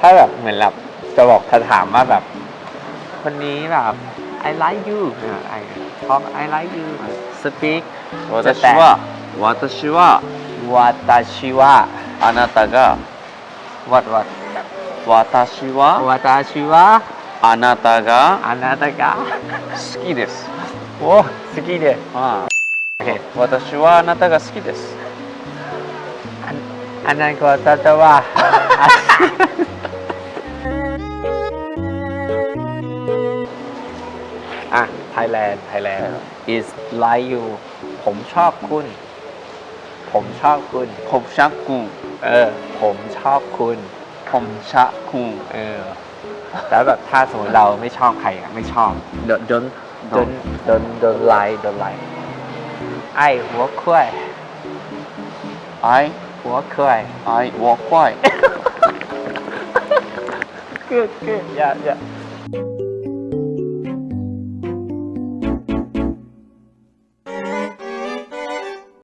ถ้าแบบเหมือนแบบจะบอกถ้าถามว่าแบบคนนี้แบบ I like you I talk I like you speak 私は私はวาตาชิวะあなたが what 私はวาตาชิวะあなたがอานาตากะ好きです。 โอ้สกีเดあโอเค私はあなたが好きです。 อันนั้นก็จะว่า อ่ะ Thailand is like you ผมชอบคุณ ผมชอบคุณผมชอบคุณผมชอบคุณผมชอบคุณแล้วแบบถ้าสมมติเราไม่ชอบใครอ่ะไม่ชอบ don't like ไอ้หัวคุ้ย I หัวคุ้ย I walk by good yeah